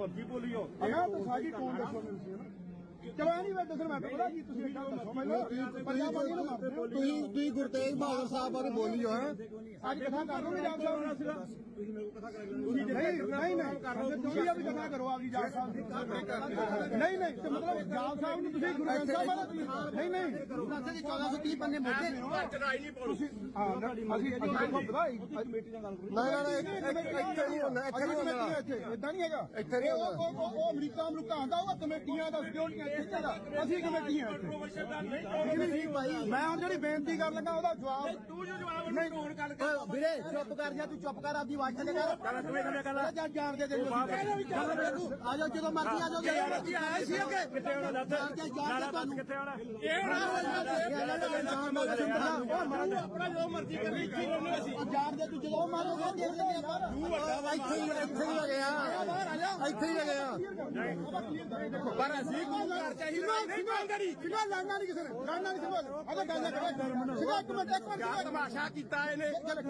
फर्जी बोली हो सारी टोन दसो चलो नहीं मैं दसना मैं पता जी तुम दसो मैं गुरतेज बहादुर साहब बारे बोली हो आज कथा कर लो जाग साहब नहीं अभी कथा करो आपकी जाग साहब नहीं मतलब जाग साहब ने गुरु ग्रंथ साहब नहीं 1430 पन्ने मोटे इदा नहीं है अमरीका आंदा होगा कमेटियां का सिक्योरिटियां ਅਸੀਂ ਕਮੇਟੀਆਂ ਮੈਂ ਹੁਣ ਜਿਹੜੀ ਬੇਨਤੀ ਕਰਨ ਲੱਗਾ ਉਹਦਾ ਜਵਾਬ ਤੂੰ ਜੋ ਜਵਾਬ ਨਹੀਂ ਫੋਨ ਕਰ ਵੀਰੇ ਚੁੱਪ ਕਰ ਜਾ ਤੂੰ ਚੁੱਪ ਕਰ ਆਪਦੀ ਆਵਾਜ਼ ਥੱਲੇ ਕਰ ਜਾਂ ਜਾਣ ਦੇ ਆ ਜਾਓ ਜਦੋਂ ਮਰਜ਼ੀ ਆ ਜਾਓ ਆਇਆ ਸੀ ਅੱਗੇ ਕਿੱਥੇ ਹੋਣਾ ਦੱਸ ਕਿੱਥੇ ਹੋਣਾ ਆਪਣਾ ਜੋ ਮਰਜ਼ੀ ਕਰੀ ਜਾਣ ਦੇ ਤੂੰ ਜਦੋਂ ਮਾਰੋਗਾ ਦੇਖ ਲੈਂਦੇ ਆਪਾਂ ਇੱਥੇ ਹੀ ਲੱਗਿਆ ਪਰ ਅਸੀਂ ਲੜਨਾ ਨਹੀਂ ਕਿਸੇ ਨੇ ਲੜਨਾ ਨਹੀਂ ਉਹਦਾ ਗੱਲ ਕਰੇ ਇੱਕ ਮਿੰਟ ਤਮਾਸ਼ਾ ਕੀਤਾ ਇਹਨੇ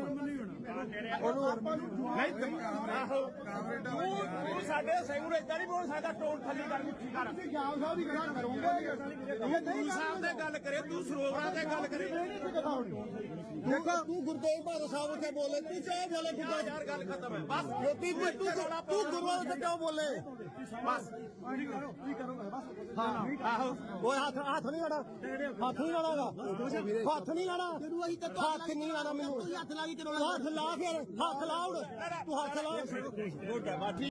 ਤੂੰ ਸਾਡੇ ਸੈਗੂਰ ਏਦਾਂ ਨਹੀਂ ਬੋਲ ਸਕਦਾ ਟੋਨ ਥੱਲੇ ਕਰ ਉੱਠੀ ਕਰ ਤੁਸੀਂ ਜਾਮ ਸਾਹਿਬ ਦੀ ਗੱਲ ਕਰੋਗੇ ਗੁਰੂ ਸਾਹਿਬ ਤੇ ਗੱਲ ਕਰੇ ਤੂੰ ਸਰੋਵਰਾਂ ਤੇ ਗੱਲ ਕਰੇ ਦੇਖੋ ਤੂੰ ਗੁਰਦੇਵ ਬਹਾਦਰ ਸਾਹਿਬ ਉੱਤੇ ਬੋਲੇ ਤੂੰ ਚਾਹ ਬੋਲੇ ਯਾਰ ਗੱਲ ਖਤਮ ਹੈ ਬਸ ਤੂੰ ਗੁਰੂਆਂ ਉੱਤੇ ਕਿਉਂ ਬੋਲੇ ਬਸ ਕੀ ਕਰੋਗੇ ਬਸ ਆਹੋ ਉਹ ਹੱਥ ਨਹੀਂ ਲਾਣਾ ਹੱਥ ਨਹੀਂ ਲਾਣਾ ਮੈਨੂੰ ਹੱਥ ਲਾ ਕੇ ਹੱਥ ਲਾ ਫਿਰ ਹੱਥ ਲਾ ਤੂੰ ਹੱਥ ਲਾ